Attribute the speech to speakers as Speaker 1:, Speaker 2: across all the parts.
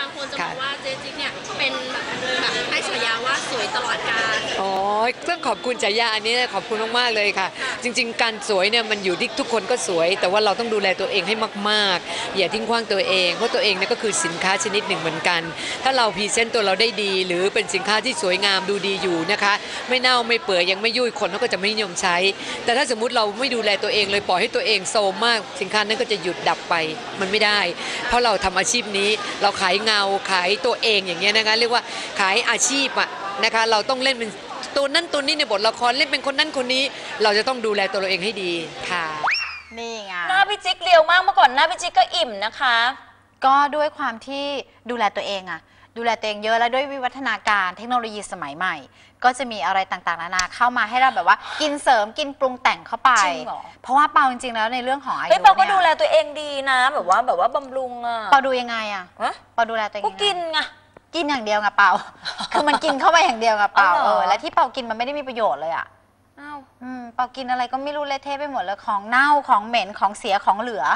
Speaker 1: คนจะบอกว่าเจจิ๊กเนี่ยเป็นแบบให้ฉายาว่าสวยตลอดกาล
Speaker 2: อ๋อต้องขอบคุณฉายาอันนี้ขอบคุณมากๆเลยค่ะจริงๆการสวยเนี่ยมันอยู่ที่ทุกคนก็สวยแต่ว่าเราต้องดูแลตัวเองให้มากๆอย่าทิ้งขว้างตัวเองเพราะตัวเองเนี่ยก็คือสินค้าชนิดหนึ่งเหมือนกันถ้าเราพรีเซนต์ตัวเราได้ดีหรือเป็นสินค้าที่สวยงามดูดีอยู่นะคะไม่เน่าไม่เปื่อยยังไม่ยุ่ยคนเขาก็จะไม่นิยมใช้แต่ถ้าสมมุติเราไม่ดูแลตัวเองเลยปล่อยให้ตัวเองโซมมากสินค้านั้นก็จะหยุดดับไปมันไม่ได้เพราะเราทำอาชีพนี้เราขายเงาขายตัวเองอย่างเงี้ยนะคะเรียกว่าขายอาชีพอะนะคะเราต้องเล่นเป็นตัวนั้นตัวนี้ในบทละครเล่นเป็นคนนั้นคนนี้เราจะต้องดูแลตัวเราเองให้ดีค่ะ
Speaker 3: นี่ไง
Speaker 4: หน้าพี่จิ๊กเรียวมากเมื่อก่อนหน้าพี่จิ๊กก็อิ่มนะคะ
Speaker 3: ก็ด้วยความที่ดูแลตัวเองอะดูแลตัวเองเยอะแล้วด้วยวิวัฒนาการเทคโนโลยีสมัยใหม่ก็จะมีอะไรต่างๆนานาเข้ามาให้เราแบบว่ากินเสริมกินปรุงแต่งเข้าไปเพราะว่าเปาจริงๆแล้วในเรื่องของอายุเนี่ย
Speaker 4: เปาก็ดูแลตัวเองดีนะแบบว่าบำรุงอะ
Speaker 3: เปาดูยังไงอะเปาดูแลตัวเอง
Speaker 4: ก็กินไง
Speaker 3: กินอย่างเดียวไงเปาคือมันกินเข้าไปอย่างเดียวไงเปาและที่เปากินมันไม่ได้มีประโยชน์เลยอะเปากินอะไรก็ไม่รู้เละเทะไปหมดเลยของเน่าของเหม็นของเสียของเหลือ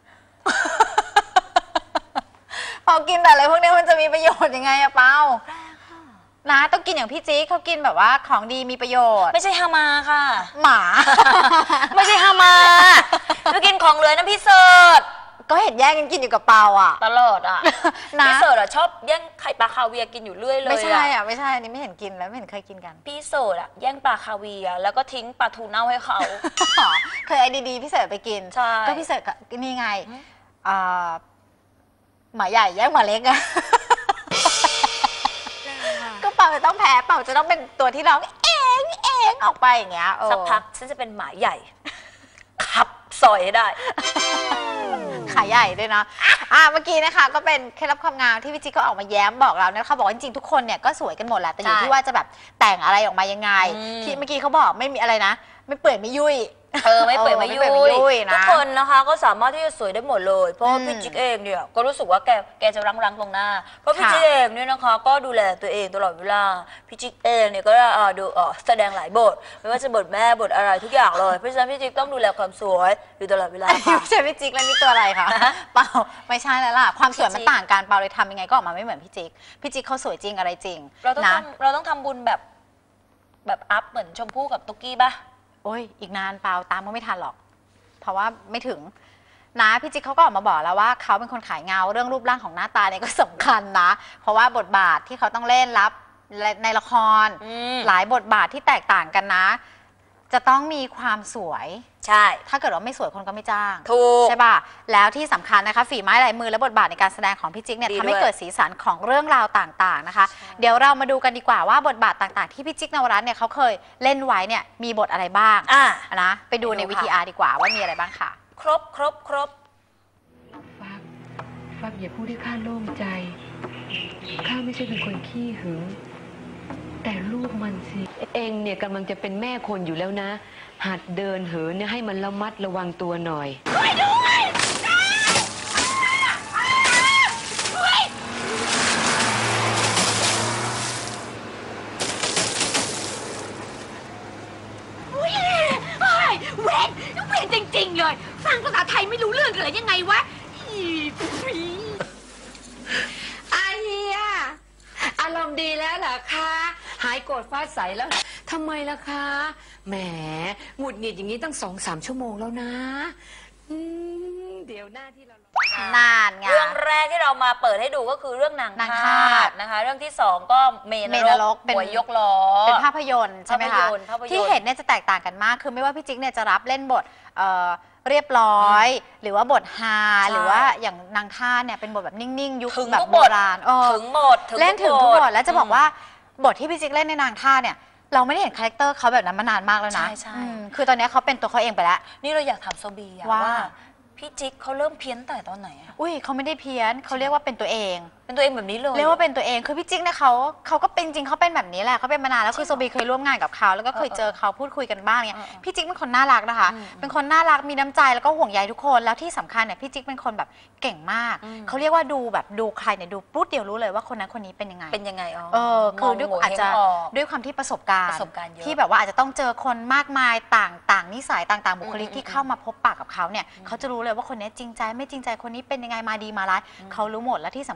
Speaker 3: เปากินแต่อะไรพวกนี้มันจะมีประโยชน์ยังไงอะเปานะต้องกินอย่างพี่จิ๊กเขากินแบบว่าของดีมีประโยชน์
Speaker 4: ไม่ใช่ฮามาค่ะ
Speaker 3: หมา
Speaker 4: ไม่ใช่ฮามาไปกินของเหลือนะพี่เสิร์ช
Speaker 3: ก็เห็นแย่งกันกินอยู่กับเปาอ่ะ
Speaker 4: ตลอดอ่ะพี่เสิร์ชอ่ะชอบแย่งไข่ปลาคาเวียกินอยู่เรื่อยเลย
Speaker 3: ไม่ใช่อ่ะไม่ใช่อันนี้ไม่เห็นกินแล้วไม่เห็นเคยกินกัน
Speaker 4: พี่เสิร์ชอ่ะแย่งปลาคาเวียแล้วก็ทิ้งปลาทูเน่าให้เขา
Speaker 3: เคยไอ้ดีๆพี่เสิร์ชไปกินก็พี่เสิร์ชนี่ไงหมาใหญ่แย่งหมาเล็กอะก็เปาจะต้องแพ้เปาจะต้องเป็นตัวที่ร้องเองออกไปอย่างเงี้ย
Speaker 4: สักพักฉันจะเป็นหมาใหญ่ขับซอยให้ได้
Speaker 3: ขายใหญ่ด้วยนะเมื่อกี้นะคะก็เป็นเคล็ดลับความงามที่พี่จิ๊กก็ออกมาแย้มบอกเรานะคะบอกว่าจริงๆทุกคนเนี่ยก็สวยกันหมดแหละแต่อยู่ที่ว่าจะแบบแต่งอะไรออกมายังไงที่เมื่อกี้เขาบอกไม่มีอะไรนะไม่เปื่อยไม่ยุ่ย
Speaker 4: ไม่เปื่อยไม่ยุ่ยทุกคนนะคะก็สามารถที่จะสวยได้หมดเลยเพราะพี่จิ๊กเองเนี่ยก็รู้สึกว่าแกจะรังตรงหน้าเพราะพี่จิ๊กเองเนี่ยนะคะก็ดูแลตัวเองตลอดเวลาพี่จิ๊กเองเนี่ยก็ดูแสดงหลายบทไม่ว่าจะบทแม่บทอะไรทุกอย่างเลยเพราะฉะนั้นพี่จิ๊กต้องดูแลความสวยอยู่ตลอดเวลาค่ะ
Speaker 3: ไม่ใช่พี่จิ๊กแล้วนี่ตัวอะไรคะเปล่าไม่ใช่แล้วล่ะความสวยมันต่างกันเปล่าเลยทำยังไงก็ออกมาไม่เหมือนพี่จิ๊กเขาสวยจริงอะไรจริง
Speaker 4: เราต้องทำบุญแบบอัพเหมือนชมพู่กับตุ๊กกี้ป่ะ
Speaker 3: โอ้ยอีกนานเปล่าตามก็ไม่ทันหรอกเพราะว่าไม่ถึงนะพี่จิ๊กเขาก็ออกมาบอกแล้วว่าเขาเป็นคนขายเงาเรื่องรูปร่างของหน้าตาเนี่ยก็สำคัญนะเพราะว่าบทบาทที่เขาต้องเล่นรับในละครหลายบทบาทที่แตกต่างกันนะจะต้องมีความสวย
Speaker 4: ใช่
Speaker 3: ถ้าเกิดว่าไม่สวยคนก็ไม่จ้าง
Speaker 4: ถูก
Speaker 3: ใช่ป่ะแล้วที่สำคัญนะคะฝีไม้ลายมือและบทบาทในการแสดงของพี่จิ๊กเนี่ยทำให้เกิดสีสันของเรื่องราวต่างๆนะคะเดี๋ยวเรามาดูกันดีกว่าว่าบทบาทต่างๆที่พี่จิ๊กนวรัตน์เนี่ยเขาเคยเล่นไว้เนี่ยมีบทอะไรบ้างนะไปดูในVTRดีกว่าว่ามีอะไรบ้างค่ะ
Speaker 4: ครบ
Speaker 2: ฟักอย่าพูดให้ข้าโล่งใจข้าไม่ใช่เป็นคนขี้หึงแต่ลูกมันสิเองเนี่ยกำลังจะเป็นแม่คนอยู่แล้วนะหัดเดินเหินเนี่ยให้มันระมัดระวังตัวหน่อย
Speaker 5: เวรจริงๆเลยฟังภาษาไทยไม่รู้เรื่องกันเลยยังไงวะ
Speaker 2: อาเฮียอารมณ์ดีแล้วเหรอคะหายโกรธฟาดใสแล้วทำไมล่ะคะแหมหงุดหงิดอย่างนี้ตั้ง2-3 ชั่วโมงแล้วนะเดี๋ยวหน้าที่เรา
Speaker 3: นานไง
Speaker 4: เรื่องแรกที่เรามาเปิดให้ดูก็คือเรื่องนางทาสนะคะเรื่องที่2ก็เมนรกเป็นยกล้อ
Speaker 3: เป็นภาพยนตร์ใช่ไหมคะที่เห็นเนี่ยจะแตกต่างกันมากคือไม่ว่าพี่จิ๊กเนี่ยจะรับเล่นบทเรียบร้อยหรือว่าบทฮาหรือว่าอย่างนางทาสเนี่ยเป็นบทแบบนิ่งๆยุคแบบโบราณ
Speaker 4: ถึงหมด
Speaker 3: เล่นถึงทุกบทแล้วจะบอกว่าบทที่พี่จิ๊กเล่นในนางทาสเนี่ยเราไม่ได้เห็นคาแรคเตอร์เขาแบบนั้นมานานมากแล้วนะ
Speaker 4: ใช่
Speaker 3: คือตอนนี้เขาเป็นตัวเขาเองไปแล้ว
Speaker 4: นี่เราอยากถามโซบีว่าพี่จิ๊กเขาเริ่มเพี้ยนแต่ตอนไหน
Speaker 3: อุ้ยเขาไม่ได้เพี้ยนเขาเรียกว่าเป็นตัวเอง
Speaker 4: แบบนี้เลย
Speaker 3: เรียกว่าเป็นตัวเองคือพี่จิ๊กเนี่ยเขาก็เป็นจริงเขาเป็นแบบนี้แหละเขาเป็นมานานแล้วคือโซบีเคยร่วมงานกับเขาแล้วก็เคยเจอเขาพูดคุยกันบ้างเนี่ยพี่จิ๊กเป็นคนน่ารักนะคะเป็นคนน่ารักมีน้ำใจแล้วก็ห่วงใยทุกคนแล้วที่สำคัญเนี่ยพี่จิ๊กเป็นคนแบบเก่งมากเขาเรียกว่าดูใครเนี่ยดูปุ๊บเดียวรู้เลยว่าคนนั้นคนนี้เป็นยังไงคือด้วยอาจจะด้วยความที่ประสบการณ์ที่แบบว่าอาจจะต้องเจอคนมากมายต่างนิสัยต่างบุคลิกที่เข้ามาพบปะกับเขาเนี่ยเขาจะรู้เลยว่าคนนี้จริงใจไม่จริงใจคนนี้เป็นยังไงมาดีมาร้ายเขารู้หมดและที่สำคัญเขา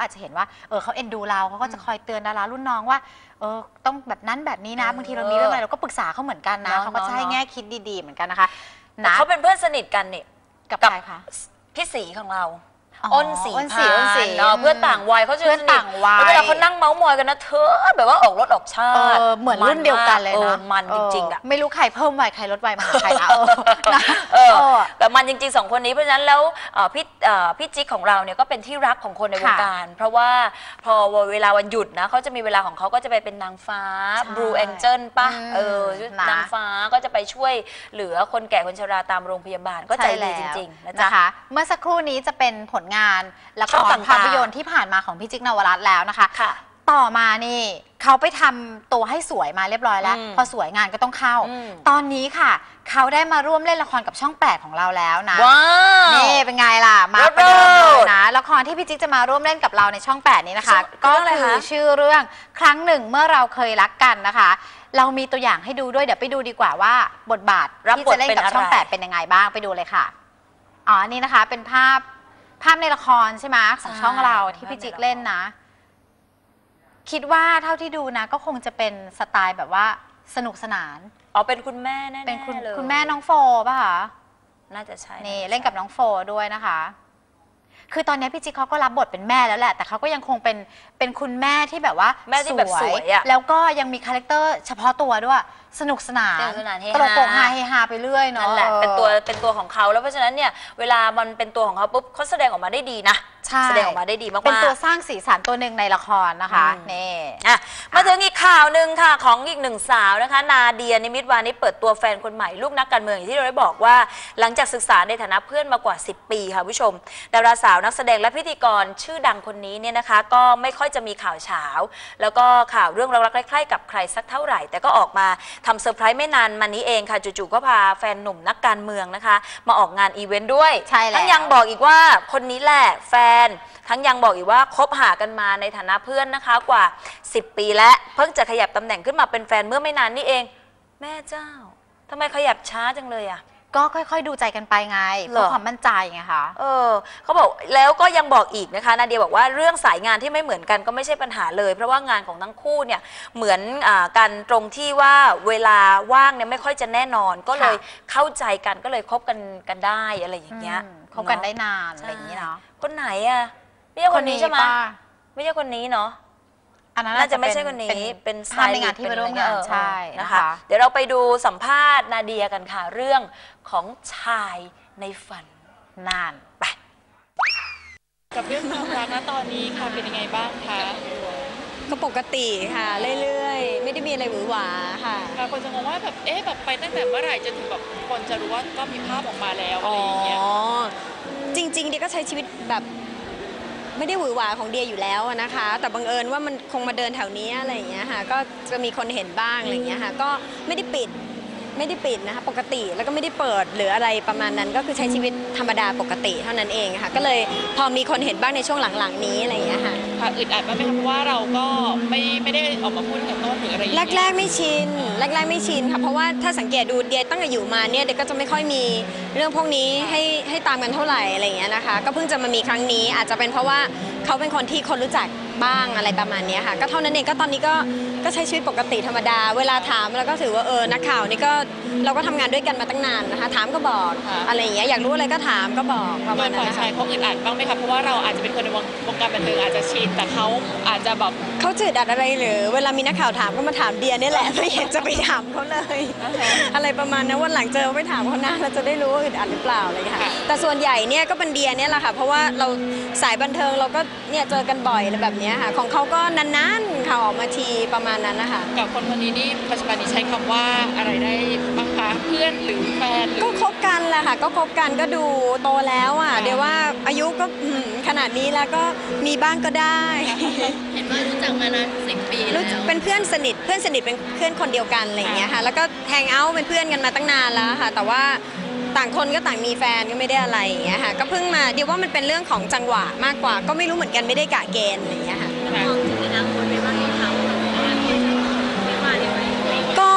Speaker 3: อาจจะเห็นว่าเขาเอ็นดูเราเขาก็จะคอยเตือนดารารุ่นน้องว่าต้องแบบนั้นแบบนี้นะบางทีเรามีเรื่องอะไรเราก็ปรึกษาเขาเหมือนกันนะเขาก็จะให้แง่คิดดีๆเหมือนกันนะคะนะ
Speaker 4: เขาเป็นเพื่อนสนิทกันเนี่ย
Speaker 3: กับใครคะ
Speaker 4: พี่สีของเราอ้นสีพานเนาะ
Speaker 3: เพื่
Speaker 4: อนต่างวัยเขาเพื่อนต่างวัยเวลาเขานั่งเมาส์มอยกันนะเธอแบบว่าออกรถออกชาติ
Speaker 3: เหมือนรุ่นเดียวกันเลยนะ
Speaker 4: มันจริงๆอ่ะ
Speaker 3: ไม่รู้ใครเพิ่มวัยใครลดวัยมาใครนะ
Speaker 4: แต่มันจริงๆ2 คนนี้เพราะฉะนั้นแล้วพี่จิ๊กของเราเนี่ยก็เป็นที่รักของคนในวงการเพราะว่าพอเวลาวันหยุดนะเขาจะมีเวลาของเขาก็จะไปเป็นนางฟ้า Blue Angel ป่ะนางฟ้าก็จะไปช่วยเหลือคนแก่คนชราตามโรงพยาบาลก็ใจดีจริงๆนะจ๊ะ
Speaker 3: เมื่อสักครู่นี้จะเป็นผลงานละครภาพยนตร์ที่ผ่านมาของพี่จิ๊กนวรัตน์แล้วนะคะต่อมานี่เขาไปทำตัวให้สวยมาเรียบร้อยแล้วพอสวยงานก็ต้องเข้าตอนนี้ค่ะเขาได้มาร่วมเล่นละครกับช่อง8ของเราแล้วนะนี่เป็นไงล่ะมาประเดิมเลยนะละครที่พี่จิ๊กจะมาร่วมเล่นกับเราในช่อง8นี้นะคะก็คือชื่อเรื่องครั้งหนึ่งเมื่อเราเคยรักกันนะคะเรามีตัวอย่างให้ดูด้วยเดี๋ยวไปดูดีกว่าว่าบทบาทที่จะเล่นกับช่อง8เป็นยังไงบ้างไปดูเลยค่ะนี่นะคะเป็นภาพในละครใช่ไหมของช่องเราที่พี่จิ๊กเล่นนะคิดว่าเท่าที่ดูนะก็คงจะเป็นสไตล์แบบว่าสนุกสนาน
Speaker 4: เป็นคุณแม่แน่ๆ
Speaker 3: เป็นคุณแม่น้องโฟป่ะคะ
Speaker 4: น่าจะใช่
Speaker 3: นี่เล่นกับน้องโฟด้วยนะคะคือตอนนี้พี่จิ๊กเขาก็รับบทเป็นแม่แล้วแหละแต่เขาก็ยังคงเป็นคุณแม่ที่แบบว่า
Speaker 4: แม่ที่แบบสวย
Speaker 3: แล้วก็ยังมีคาแรคเตอร์เฉพาะตัวด้วยสนุกสนานตลกโปกฮาเฮฮาไปเรื่อยเนาะ
Speaker 4: นั่นแหละเป็นตัวของเขาแล้วเพราะฉะนั้นเนี่ยเวลามันเป็นตัวของเขาปุ๊บเขาแสดงออกมาได้ดีนะแสดงออกมาได้ดีมากๆ
Speaker 3: เป็นตัวสร้างสีสันตัวหนึ่งในละครนะคะนี่
Speaker 4: มาถึงอีกข่าวหนึ่งค่ะของอีกหนึ่งสาวนะคะนาเดียนิมิตวานิชเปิดตัวแฟนคนใหม่ลูกนักการเมืองอย่างที่เราได้บอกว่าหลังจากศึกษาในฐานะเพื่อนมากว่า10 ปีค่ะผู้ชมดาราสาวนักแสดงและพิธีกรชื่อดังคนนี้เนี่ยนะคะก็ไม่ค่อยจะมีข่าวเช้าแล้วก็ข่าวเรื่องรักๆใกล้ๆกับใครสักเท่าไหร่แต่ก็ออกมาทำเซอร์ไพรส์ไม่นานมานี้เองค่ะจู่ๆก็พาแฟนหนุ่มนักการเมืองนะคะมาออกงานอีเวนต์ด้วยทั้งยังบอกอีกว่าคนนี้แหละแฟนทั้งยังบอกอีกว่าคบหากันมาในฐานะเพื่อนนะคะกว่า10 ปีและเพิ่งจะขยับตำแหน่งขึ้นมาเป็นแฟนเมื่อไม่นานนี่เองแม่เจ้าทำไมขยับช้าจังเลยอ่ะ
Speaker 3: ก็ค่อยๆดูใจกันไปไงเพื่อความมั่นใจไงคะ
Speaker 4: เขาบอกแล้วก็ยังบอกอีกนะคะนาเดียบอกว่าเรื่องสายงานที่ไม่เหมือนกันก็ไม่ใช่ปัญหาเลยเพราะว่างานของทั้งคู่เนี่ยเหมือนกันตรงที่ว่าเวลาว่างเนี่ยไม่ค่อยจะแน่นอนก็เลยเข้าใจกันก็เลยคบกันได้อะไรอย่างเงี้ย
Speaker 3: คบกันได้นานอะไรอย่างเงี้ยเนาะ
Speaker 4: คนไหนอะไม่ใช่คนนี้ใช่ไหมไม่ใช่คนนี้เนาะน่าจะไม่ใช่คนนี้เป็น
Speaker 3: สไตล์ในงานที่มาร่วมงานใช่
Speaker 4: นะคะเดี๋ยวเราไปดูสัมภาษณ์นาเดียกันค่ะเรื่องของชายในฝัน
Speaker 3: นานไป
Speaker 6: กับเรื่องความรักนะตอนนี้ค่ะเป็นยังไงบ้างคะ
Speaker 7: ก็ปกติค่ะเรื่อยๆไม่ได้มีอะไรหวือหวาค่ะ
Speaker 6: คนจะงงว่าแบบแบบไปตั้งแต่เมื่อไหร่จนถึงแบบคนจะรู้ว่าก็มีภาพออกมาแล้วอะไรอย่างเงี้ย
Speaker 7: จริงๆเดียก็ใช้ชีวิตแบบไม่ได้หวือหวาของเดียอยู่แล้วนะคะแต่บังเอิญว่ามันคงมาเดินแถวนี้อะไรอย่างเงี้ยค่ะก็จะมีคนเห็นบ้างอะไรอย่างเงี้ยค่ะก็ไม่ได้ปิดนะคะปกติแล้วก็ไม่ได้เปิดหรืออะไรประมาณนั้นก็คือใช้ชีวิตธรรมดาปกติเท่านั้นเองค่ะก็เลยพอมีคนเห็นบ้างในช่วงหลังๆนี้อะไรอย่างเงี้ยค่ะ
Speaker 6: อึดอัดบ้างไหมคะเพราะว่าเราก็ไม่ได้ออกมาพูดกับต้นหรืออะไร
Speaker 7: แรกๆไม่ชินค่ะเพราะว่าถ้าสังเกตดูเดียตั้งแต่อยู่มาเนี่ยเดียก็จะไม่ค่อยมีเรื่องพวกนี้ให้ตามกันเท่าไหร่อะไรอย่างเงี้ยนะคะก็เพิ่งจะมามีครั้งนี้อาจจะเป็นเพราะว่าเขาเป็นคนที่คนรู้จักบ้างอะไรประมาณนี้ค่ะก็เท่านั้นเองก็ตอนนี้ก็ใช้ชีวิตปกติธรรมดาเวลาถามแล้วก็ถือว่านักข่าวนี่ก็เราก็ทำงานด้วยกันมาตั้งนานนะคะถามก็บอกอะไรอย่างเงี้ยอยากรู้อะไรก็ถามก็บอกประมาณนั้น
Speaker 6: ฝ่ายชายเขาอึดอัดบ้างไหมคะเพราะว่าเราอาจจะเป็นคนในวงการบันเทิงอาจจะชินแต่เขาอาจจะแบบ
Speaker 7: เขาจืดอัดอะไรหรือเวลามีนักข่าวถามก็มาถามเดียนี่แหละไม่เห็นจะไปถามเขาเลยอะไรประมาณนั้นวันหลังเจอไปถามเขาหน้าเราจะได้รู้ว่าอึดอัดหรือเปล่าอะไรค่ะแต่ส่วนใหญ่เนี่ยก็เป็นเดียเนี่ยแหละค่ะเพราะว่าเราสายบันเทิงเราก็เนี่ยเจอกันบ่อยอะไรแบบนี้ค่ะของเขาก็นานๆข่าวออกมาทีประมาณนั้นนะคะ
Speaker 6: กับคนนี้นี่ปัจจุบันนี้ใช้คำว่าอะไรได้บ้างคะเพื่อนหรือแฟน
Speaker 7: ก็คบกันแหละค่ะก็คบกันก็ดูโตแล้วอ่ะเดี๋ยวว่าอายุก็ขนาดนี้แล้วก็มีบ้างก็ได้
Speaker 1: เห็นว่ารู้จักมานาน10 ปีแล้ว
Speaker 7: เป็นเพื่อนสนิทเป็นเพื่อนคนเดียวกันอะไรอย่างเงี้ยค่ะแล้วก็แฮงเอาท์เป็นเพื่อนกันมาตั้งนานแล้วค่ะแต่ว่าต่างคนก็ต่างมีแฟนก็ไม่ได้อะไรอย่างเงี้ยค่ะก็เพิ่งมาเดี๋ยวว่ามันเป็นเรื่องของจังหวะมากกว่าก็ไม่รู้เหมือนกันไม่ได้กะเกณฑ์อะไรอย่างเงี้ยค่ะ
Speaker 1: มองถึงอนาคตไปว่าเขา
Speaker 7: ก็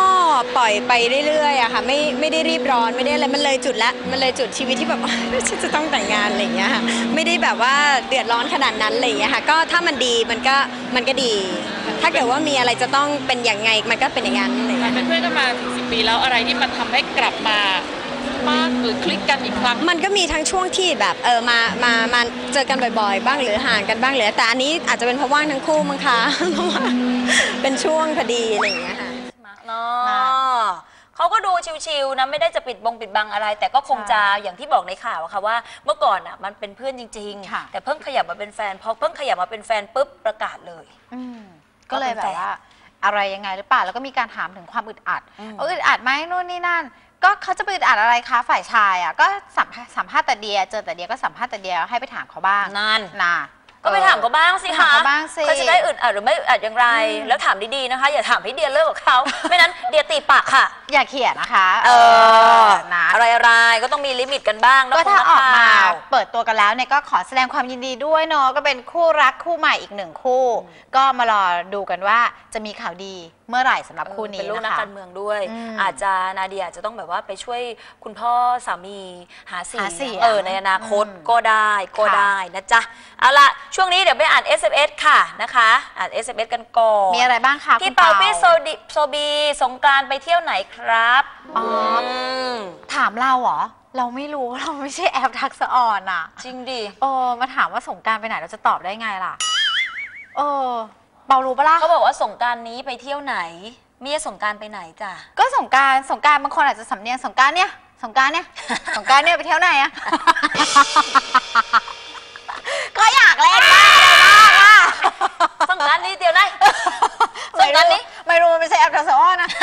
Speaker 7: ปล่อยไปเรื่อยๆอะค่ะไม่ได้รีบร้อนไม่ได้อะไรมันเลยจุดละมันเลยจุดชีวิตที่แบบ ฉันจะต้องแต่งงานอะไรอย่างเงี้ยค่ะไม่ได้แบบว่าเดือดร้อนขนาดนั้นอะไรอย่างเงี้ยค่ะก็ถ้ามันดีมันก็ดี ถ้าเกิดว่ามีอะไรจะต้องเป็นอย่างไงมันก็เป็นอย่างนั้นอะไรอย่าง
Speaker 6: มั
Speaker 7: เงี้
Speaker 6: น
Speaker 7: ย
Speaker 6: เป็นเพื่อนกันมาถึง10 ปีแล้วอะไรที่มันทำให้กลับมามากหรือคลิกกันอีกครั้ง
Speaker 7: มันก็มีทั้งช่วงที่แบบมาเจอกันบ่อยๆ บ้างหรือห่างกันบ้างหรือแต่อันนี้อาจจะเป็นเพราะว่างทั้งคู่มั้งคะ เพราะว่าเป็นช่วงพอดีอะไรอย่างเงี้ยค่ะ
Speaker 4: เนาะเขาก็ดูชิวๆนะไม่ได้จะปิดบังอะไร แต่ก็คงจะอย่างที่บอกในข่าวอะค่ะว่าเมื่อก่อนอ่ะมันเป็นเพื่อนจริง
Speaker 3: ค่ะ
Speaker 4: ๆ แต่เพิ่งขยับมาเป็นแฟนพอเพิ่งขยับมาเป็นแฟนปุ๊บประกาศเลย
Speaker 3: ก็เลยแบบว่าอะไรยังไงหรือเปล่าแล้วก็มีการถามถึงความอึดอัดอึดอัดไหมนู่นนี่นั่น ก็เขาจะไปอึดอัดอะไรคะฝ่ายชายอ่ะก็สัมภาษณ์แต่เดียเจอแต่เดียก็สัมภาษณ์แต่เดียให้ไปถามเขาบ้าง
Speaker 4: นั่น
Speaker 3: นะ
Speaker 4: ก็ไปถามเขาบ้างสิ
Speaker 3: ถาม
Speaker 4: คะ
Speaker 3: เขาบ้างสิ
Speaker 4: เขาจะได้อึดอัดหรือไม่อึดอัดอย่างไร แล้วถามดีๆนะคะ อย่าถามให้เดียเลิกกับเขา ไม่นั้นเดียตีปากค่ะ
Speaker 3: อย่าเขียนนะคะ นะ
Speaker 4: อะไรก็ต้องมีลิมิตกันบ้าง
Speaker 3: ก็ถ้าออกมา
Speaker 4: ข่ว
Speaker 3: เปิดตัวกันแล้วเนี่ยก็ขอแสดงความยินดีด้วยเนาะก็เป็นคู่รักคู่ใหม่อีกหนึ่งคู่ ก็มารอดูกันว่าจะมีข่าวดีเมื่อไหร่สำหรับคู่นี้
Speaker 4: เป็นลูกนัก
Speaker 3: นะคะ
Speaker 4: การเมืองด้วย
Speaker 3: อืม
Speaker 4: อาจจะนาเดียอาจจะต้องแบบว่าไปช่วยคุณพ่อสามีหาเสีย
Speaker 3: หาเสีย
Speaker 4: งในอนาคต
Speaker 3: อืม
Speaker 4: ก็ได้
Speaker 3: ค่ะ
Speaker 4: นะจ๊ะเอาล่ะช่วงนี้เดี๋ยวไปอ่าน SMS ค่ะนะคะอ่าน SMS กันก่อน
Speaker 3: มีอะไรบ้างคะ
Speaker 4: พี่
Speaker 3: คุณ
Speaker 4: เปาพี่โซบีสงกรานต์ไปเที่ยวไหนครับ ม
Speaker 3: ถามเราเหรอเราไม่รู้เราไม่ใช่แอปทักษะอ่อนอ่ะ
Speaker 4: จริงดิ
Speaker 3: มาถามว่าสงกรานต์ไปไหนเราจะตอบได้ไงล่ะเปารู้ปะล่ะ
Speaker 4: เขาบอกว่าสงกรานต์นี้ไปเที่ยวไหนเมียสงกรานต์ไปไหนจ้ะ
Speaker 3: ก็สงกรานต์บางคนอาจจะสำเนียงสงกรานต์เนี่ยสงกรานต์เนี่ยไปเที่ยวไหนอะ ก็อยากเล่นบ้างอะไรบ้างอะ
Speaker 4: สงกรานต์นี้เดียวนะสงกรานต์นี้
Speaker 3: ไม่รู้มันไม่ใช่แอปทักษะอ่อนนะ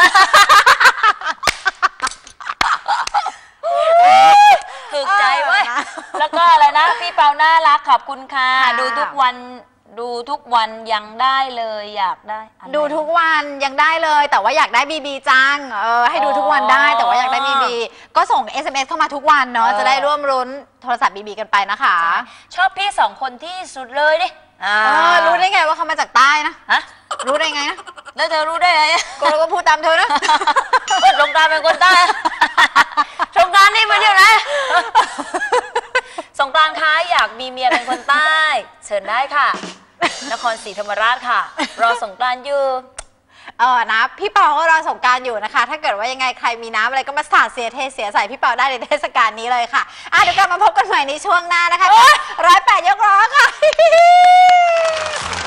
Speaker 4: ถูกใจเว้ย แล้วก็อะไรนะพี่เปาน่ารักขอบคุณค่ะ ดูทุกวันยังได้เลยอยากได้อันไหน
Speaker 3: ดูทุกวันยังได้เลยแต่ว่าอยากได้บีบีจังให้ดูทุกวันได้แต่ว่าอยากได้บีบีก็ส่ง SMS เข้ามาทุกวันเนาะจะได้ร่วมรุ้นโทรศัพท์บีบีกันไปนะคะ
Speaker 4: ชอบพี่สองคนที่สุดเลยดิ
Speaker 3: รู้ได้ไงว่าเขามาจากใต้นะ
Speaker 4: ฮะ
Speaker 3: รู้ได้ไงนะ
Speaker 4: แล้วเธอรู้ได้ไง
Speaker 3: ก็เราก็พูดตามเธอนะ
Speaker 4: สงกรานต์เป็นคนใต้ สงกรานต์นี่ไปเที่ยวไหนสงกรานต์คะอยากมีเมียเป็นคนใต้ เชิญได้ค่ะ นครศรีธรรมราชค่ะ รอสงกรานต์อยู่
Speaker 3: นะพี่เปาก็รอสงกรานต์อยู่นะคะ ถ้าเกิดว่ายังไงใครมีน้ำอะไรก็มาสาดเสียใส่พี่เปาได้ในเทศกาลนี้เลยค่ะเดี๋ยวกลับมาพบกันใหม่ในช่วงหน้านะคะ108 ยกล้อค่ะ